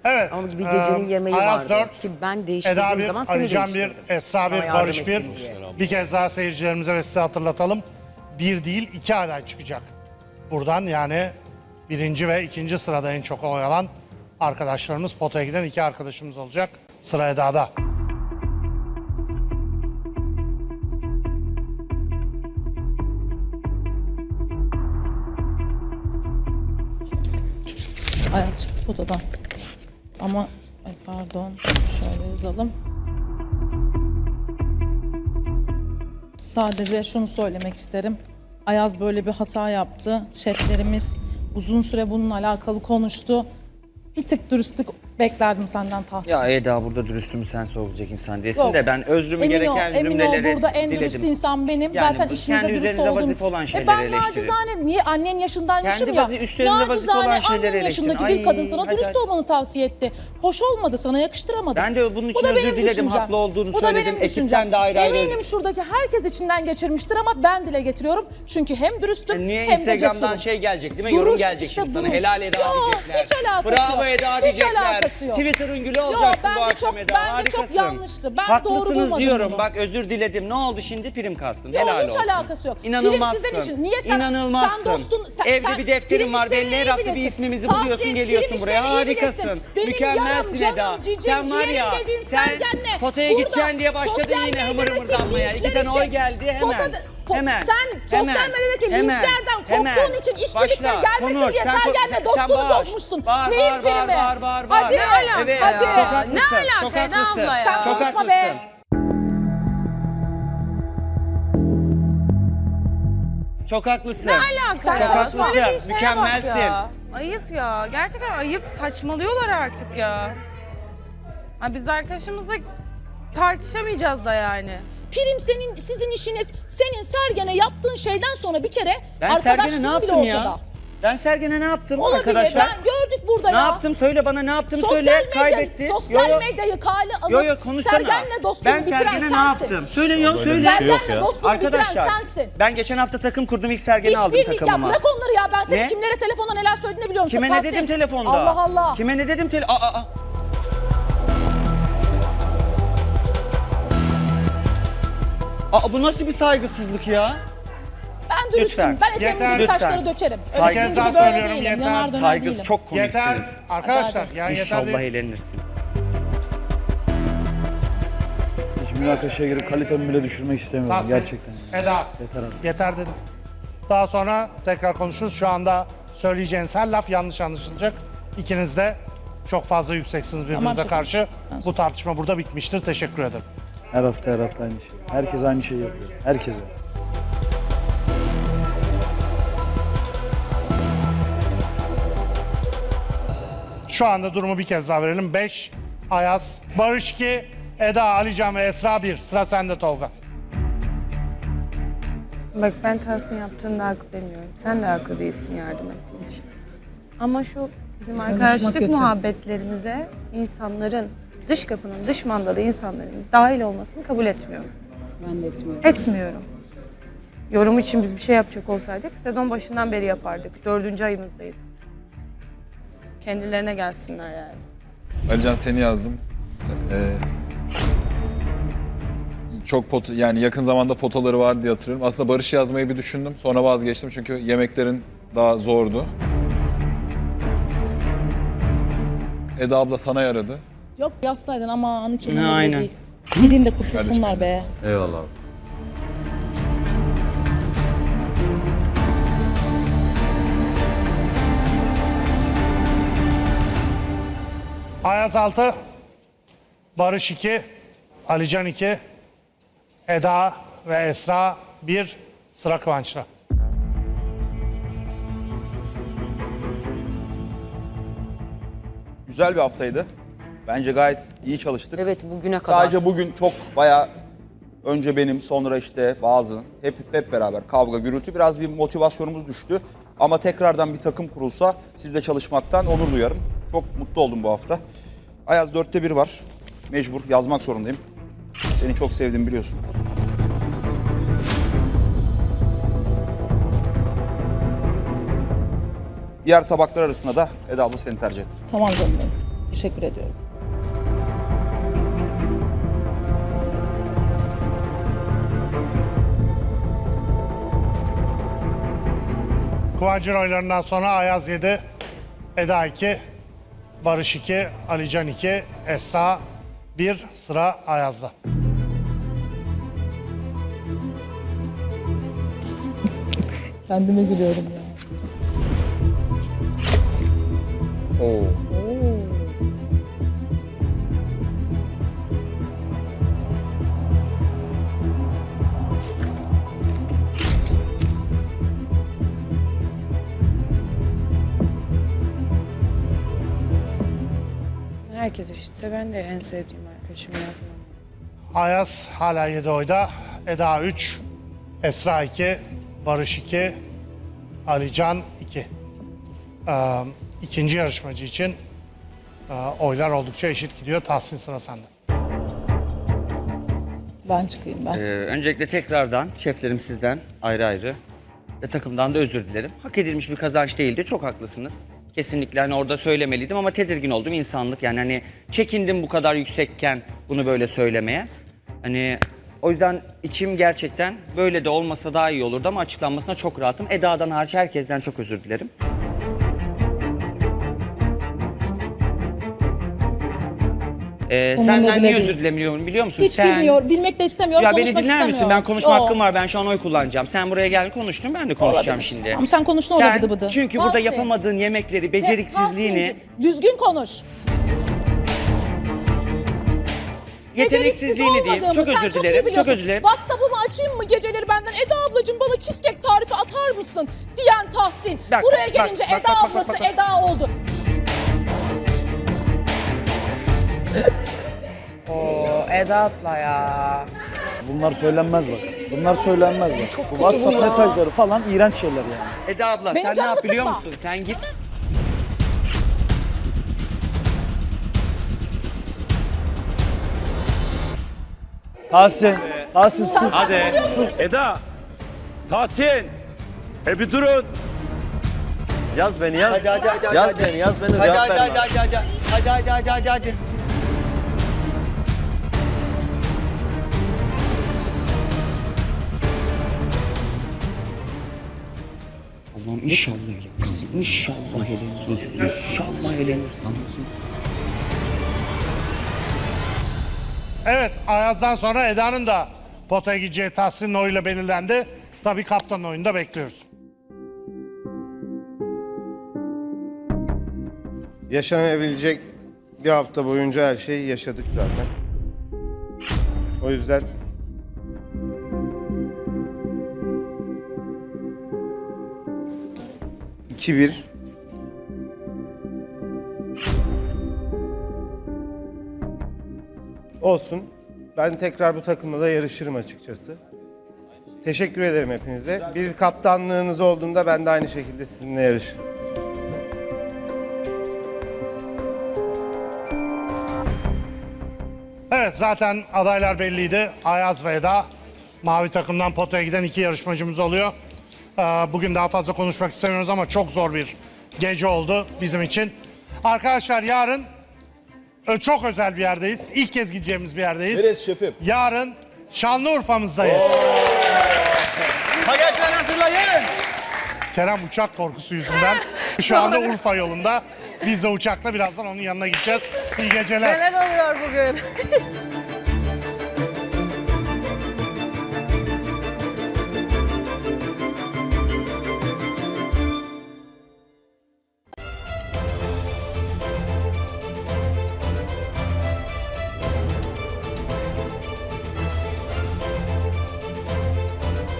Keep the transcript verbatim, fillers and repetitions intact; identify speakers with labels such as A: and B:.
A: Evet.
B: Ama bir gecenin
A: e,
B: yemeği
A: Ayaz
B: vardı.
A: dört,
B: Ki ben değiştirdiğim
A: Eda bir,
B: zaman seni
A: Alican
B: değiştirdim.
A: bir, Esra
B: Bana
A: bir,
B: yardım
A: Barış bir.
B: ettin diye.
A: Bir kez daha seyircilerimize ve size hatırlatalım. Bir değil iki aday çıkacak. Buradan yani birinci ve ikinci sırada en çok oy alan arkadaşlarımız, potaya giden iki arkadaşımız olacak. Sıra Eda'da.
C: Ayaz çıktı odadan. Ama ay pardon şöyle yazalım. Sadece şunu söylemek isterim. Ayaz böyle bir hata yaptı. Şeflerimiz uzun süre bununla alakalı konuştu. Bir tık dürüstlük beklerdim senden Tahsin.
D: Ya Eda burada dürüstümü sen sorulacak insan değilsin
C: Yok.
D: de ben özrümü
C: Emin
D: gereken
C: ol, emin
D: cümleleri
C: ol burada en
D: diledim.
C: dürüst insan benim.
D: Yani
C: Zaten
D: bu
C: işinize
D: kendi
C: dürüst
D: üzerinize
C: oldum.
D: vazife olan
C: E
D: şeyleri
C: ben
D: eleştirin.
C: nacizane niye annen yaşındaymışım
D: Kendi
C: ya.
D: vazi- üstlerinde vazife olan
C: Nacizane
D: şeyleri
C: annen
D: eleştirin.
C: yaşındaki bir kadın
D: Ay,
C: sana
D: hadi
C: dürüst
D: hadi.
C: olmanı tavsiye etti. Hoş olmadı, sana yakıştıramadım.
D: Ben de bunun için
C: Bu da
D: özür
C: benim
D: diledim,
C: düşüncem.
D: haklı olduğunu
C: Bu da
D: söyledim.
C: benim
D: Ekipten
C: düşüncem.
D: de ayrı ayrı
C: Eminim
D: özür-
C: şuradaki herkes içinden geçirmiştir ama ben dile getiriyorum. Çünkü hem dürüstüm
D: Yani niye
C: hem de
D: Instagram'dan
C: cesurum.
D: şey gelecek değil mi? Yorum
C: Duruş,
D: gelecek
C: işte
D: şimdi sana.
C: duruş.
D: Helal Eda
C: Yok,
D: diyecekler.
C: hiç alakası
D: Bravo
C: yok.
D: Eda
C: Hiç
D: diyecekler.
C: alakası yok.
D: Twitter'ın gülü
C: Yok,
D: olacaksın bu
C: bence
D: akşam
C: çok-
D: Eda.
C: bence çok
D: Harikasın.
C: yanlıştı. Ben doğru
D: Haklısınız
C: bulmadım
D: diyorum.
C: bunu.
D: Bak özür diledim. Ne oldu şimdi? Prim kastın.
C: Yok,
D: Helal
C: hiç
D: olsun.
C: alakası yok.
D: İnanılmazsın.
C: Prim sizin işin. Niye sen-
D: İnanılmazsın.
C: sen dostun- sen-
D: Evde
C: sen
D: bir defterin
C: prim
D: var.
C: işlerini
D: Belli her
C: iyi
D: hafta bir
C: bilirsin.
D: ismimizi
C: Tahsin,
D: buluyorsun
C: prim
D: geliyorsun buraya.
C: işlerini iyi
D: Harikasın.
C: bilirsin. Benim
D: Mükemmelsin
C: yarım,
D: Eda.
C: canım, cicim,
D: Sen var ya.
C: ciğerim dediğin
D: Sen
C: Sergen'le.
D: potaya
C: Burada
D: gideceksin diye başladın
C: sosyal
D: yine hımır
C: medyadaki
D: hımırdanmaya. İki
C: linçler
D: tane oy
C: için-
D: geldi hemen.
C: Potada- po-
D: Hemen.
C: Sen sosyal
D: Hemen.
C: medyadaki
D: Hemen.
C: linçlerden
D: Hemen.
C: korktuğun için işbirlikleri
D: Başla.
C: gelmesin
D: Konuş.
C: diye
D: Sen ko-
C: Sergen'le
D: sen-
C: dostluğunu
D: sen bağır.
C: bozmuşsun.
D: Bağır,
C: Neyin
D: bağır,
C: primi?
D: bağır, bağır, bağır.
C: Hadi.
D: Ne
E: alaka
D: Evet,
C: ya?
D: çok haklısın.
E: Ne alaka
D: Çok
E: Eda
D: haklısın.
E: abla ya?
C: Sen
D: Çok
C: konuşma
D: haklısın.
C: be.
D: Çok haklısın.
E: Ne alaka
C: Sen
E: ya?
C: konuşma.
E: Söylediğin
D: Haklısın.
E: şeye bak
D: Mükemmelsin.
E: ya. Ayıp ya. Gerçekten ayıp. Saçmalıyorlar artık ya. Ha, biz de arkadaşımızla tartışamayacağız da yani.
C: Prim senin, sizin işiniz. Senin Sergen'e yaptığın şeyden sonra bir kere
D: Ben Sergen'e ne
C: arkadaşlığın bile
D: yaptım
C: ortada.
D: ya? Ben Sergen'e ne yaptım
C: Olabilir.
D: arkadaşlar?
C: Ben gördük burada
D: Ne
C: ya.
D: yaptım? Söyle bana ne yaptım
C: Sosyal
D: söyle.
C: medya,
D: Kaybetti.
C: sosyal
D: Yo, yo.
C: medyayı kale alıp
D: Yo yo konuşsana.
C: Sergen'le dostluğunu
D: Ben
C: bitiren
D: Sergen'e
C: sensin.
D: ne yaptım? Söyle yo
F: Böyle bir
D: söyle.
F: şey yok
C: Sergen'le
F: ya.
C: dostluğunu
D: Arkadaşlar
C: bitiren sensin.
D: ben geçen hafta takım kurdum ilk Sergen'i aldım
C: İşbirlik ya
D: takımıma.
C: bırak onları ya. Ben senin
D: Ne?
C: kimlere telefonda neler söylediğini biliyorum.
D: Kime ne
C: Tahsin.
D: dedim telefonda?
C: Allah Allah.
D: Kime ne dedim tele... Aa, aa, aa. Aa, bu nasıl bir saygısızlık ya?
C: Ben dürüstüm.
D: Lütfen.
C: Ben eteğimi
A: Yeter.
C: gibi
D: Lütfen.
C: taşları dökerim. Öyle
D: Saygısız.
C: sizin gibi
A: Yeter
C: böyle
A: söylüyorum,
C: değilim.
A: yeter.
C: Yanar döner
D: Saygısı
C: değilim.
D: çok
A: Yeter.
D: komiksiniz.
A: Arkadaşlar
C: Hadi,
A: yani yeter
D: İnşallah
A: değil.
D: eğlenirsin.
F: Hiç münakaşaya girip kalitemi bile düşürmek istemiyorum
A: Tahsin,
F: gerçekten.
A: Eda.
F: Yeter artık.
A: Yeter dedim. Daha sonra tekrar konuşuruz. Şu anda söyleyeceğiniz her laf yanlış anlaşılacak. İkiniz de çok fazla yükseksiniz birbirinize
C: şefim.
A: karşı. Bu tartışma burada bitmiştir. Teşekkür ederim.
F: Her hafta her hafta aynı şey. Herkes aynı şeyi yapıyor. Herkese.
A: Şu anda durumu bir kez daha verelim. beş, Ayaz, Barış iki, Eda, Alican ve Esra bir. Sıra sende Tolga.
G: Bak ben Tahsin yaptığında haklı demiyorum. Sen de haklı değilsin yardım ettiğin için. Ama şu bizim arkadaşlık
C: kötü.
G: muhabbetlerimize insanların, dış kapının, dış mandalı insanların dahil olmasını kabul etmiyorum.
C: Ben de etmiyorum.
G: Etmiyorum. Yorum için biz bir şey yapacak olsaydık sezon başından beri yapardık. Dördüncü ayımızdayız.
E: Kendilerine gelsinler yani.
H: Alican seni yazdım. Ee, çok pot yani yakın zamanda potaları var diye hatırlıyorum. Aslında Barış yazmayı bir düşündüm. Sonra vazgeçtim çünkü yemeklerin daha zordu. Eda abla sana yaradı.
C: Yok yazsaydın aman hiç
D: Ne,
C: umurumda bile
D: aynen.
C: değil. Gidin de kurtulsunlar be.
F: Eyvallah abi.
A: Ayaz altı, Barış iki, Alican iki, Eda ve Esra bir. Sıra Kıvanç'ta.
I: Güzel bir haftaydı. Bence gayet iyi çalıştık.
B: Evet bugüne kadar.
I: Sadece bugün çok bayağı önce benim sonra işte bazı hep hep beraber kavga gürültü biraz bir motivasyonumuz düştü. Ama tekrardan bir takım kurulsa sizle çalışmaktan onur duyarım. Çok mutlu oldum bu hafta. Ayaz dörtte bir var. Mecbur yazmak zorundayım. Seni çok sevdim biliyorsun. Diğer tabaklar arasında da Eda abla seni tercih ettim.
C: Tamam canım benim. Teşekkür ediyorum.
A: Kıvancın oylarından sonra Ayaz yedi, Eda iki, Barış iki, Alican iki, Esra bir, sıra Ayaz'da.
C: Kendime gülüyorum ya.
G: Herkes eşitse ben de en sevdiğim arkadaşım yazmam.
A: Ayaz hala yedi oyda, Eda üç, Esra iki, Barış iki, Alican iki. Ee, ikinci yarışmacı için e, oylar oldukça eşit gidiyor. Tahsin, sıra sende.
C: Ben çıkayım ben.
D: Ee, öncelikle tekrardan şeflerim sizden ayrı ayrı ve takımdan da özür dilerim. Hak edilmiş bir kazanç değildi. Çok haklısınız. Kesinlikle hani orada söylemeliydim ama tedirgin oldum, insanlık. Yani hani çekindim bu kadar yüksekken bunu böyle söylemeye. Hani o yüzden içim gerçekten böyle de olmasa daha iyi olurdu ama açıklanmasına çok rahatım. Eda'dan hariç herkesten çok özür dilerim. Ee,
C: Umurumda
D: senden
C: bile
D: niye
C: değil.
D: özür dilemiyorum biliyor musun?
C: Hiç
D: Sen...
C: bilmiyor, bilmek de istemiyorum,
D: Ya beni
C: konuşmak
D: dinler
C: istemiyorum.
D: misin? Ben konuşma
C: Yo.
D: hakkım var. Ben şu an oy kullanacağım. Sen buraya gel konuştun. Ben de konuşacağım
C: Olabilir.
D: şimdi.
C: Tamam, sen konuş, ne olur bıdı bıdı.
D: Çünkü burada
C: Tahsin.
D: yapamadığın yemekleri, beceriksizliğini,
C: Tahsin'cim, düzgün konuş.
D: yeteneksizliğini diyeyim.
C: olmadığımı
D: Çok
C: sen
D: özür
C: çok iyi
D: dilerim. Çok
C: biliyorsun.
D: özür dilerim.
C: WhatsApp'ımı açayım mı geceleri benden? Eda ablacığım bana cheesecake tarifi atar mısın? Diyen Tahsin.
D: Bak,
C: Buraya
D: bak,
C: gelince
D: bak,
C: Eda
D: bak, bak,
C: ablası
D: bak, bak.
C: Eda oldu.
G: Eda abla ya.
F: Bunlar söylenmez bak. Bunlar söylenmez bak. Bu WhatsApp mesajları falan iğrenç şeyler yani.
D: Eda abla
C: Benim
D: sen ne
C: canımı
D: yap biliyor
C: sıkma.
D: musun? Sen git.
F: Tahsin, Tahsin sus.
C: Hadi.
F: Sus. Eda, Tahsin. E bir durun.
B: Yaz beni yaz.
D: Hadi hadi hadi.
B: Yaz
D: hadi.
B: beni yaz beni
D: Hadi
B: cevap
D: hadi hadi
B: verme.
D: hadi hadi. Hadi hadi hadi hadi hadi. Allah'ım inşallah ya kızım. İnşallah elenirsin. İnşallah elenirsin.
A: Evet, Ayaz'dan sonra Eda'nın da potaya gideceği Tahsin'in oyuyla belirlendi. Tabii kaptanın oyunu da bekliyoruz.
J: Yaşanabilecek bir hafta boyunca her şeyi yaşadık zaten. O yüzden iki bir. Olsun. Ben tekrar bu takımla da yarışırım açıkçası. Teşekkür ederim hepinize. Bir kaptanlığınız olduğunda ben de aynı şekilde sizinle yarışırım.
A: Evet, zaten adaylar belliydi. Ayaz ve Eda. Mavi takımdan potaya giden iki yarışmacımız oluyor. Ee, Bugün daha fazla konuşmak istemiyoruz ama çok zor bir gece oldu bizim için. Arkadaşlar yarın e, çok özel bir yerdeyiz. İlk kez gideceğimiz bir yerdeyiz.
B: Neresi şefim?
A: Yarın Şanlıurfa'mızdayız.
D: Bagaçlar hazırlayın.
A: Kerem uçak korkusu yüzünden şu anda Urfa yolunda. Biz de uçakla birazdan onun yanına gideceğiz. İyi geceler.
E: Neler oluyor bugün?